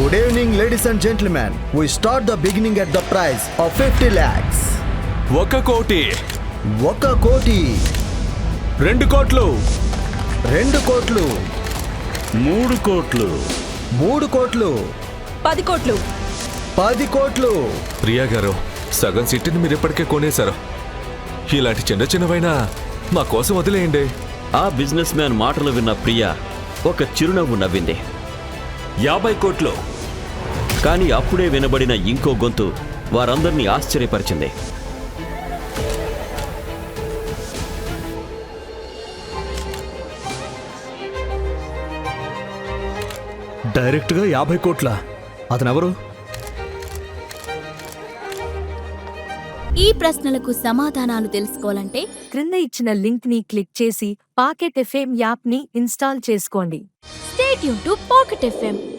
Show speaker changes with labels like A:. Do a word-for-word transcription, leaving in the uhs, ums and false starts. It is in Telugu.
A: Good evening, ladies and gentlemen. We start the beginning at the price of fifty lakhs.
B: ఒక కోటి,
A: ఒక కోటి,
B: రెండు కోట్లు,
A: రెండు కోట్లు,
C: మూడు కోట్లు,
A: మూడు కోట్లు,
D: పది కోట్లు,
A: పది కోట్లు.
B: ప్రియా గారు, సగం సిటీని మీరు ఇప్పటికే కొనేశారు. ఇలాంటి చిన్న చిన్నవైనా మా కోసం వదిలేయండి.
C: ఆ బిజినెస్ మ్యాన్ మాటలు విన్న ప్రియా ఒక చిరునవ్వు నవ్వింది. యాభై కోట్లు. కానీ అప్పుడే వినబడిన ఇంకో గొంతు వారందరినీ ఆశ్చర్యపరిచింది.
A: డైరెక్ట్గా యాభై కోట్ల. అతనెవరు?
E: ఈ ప్రశ్నలకు సమాధానాలు తెలుసుకోవాలంటే
D: క్రింద ఇచ్చిన లింక్ ని క్లిక్ చేసి పాకెట్ ఎఫ్ఎం యాప్ ని ఇన్స్టాల్ చేసుకోండి.
E: Stay tune to pocket FM.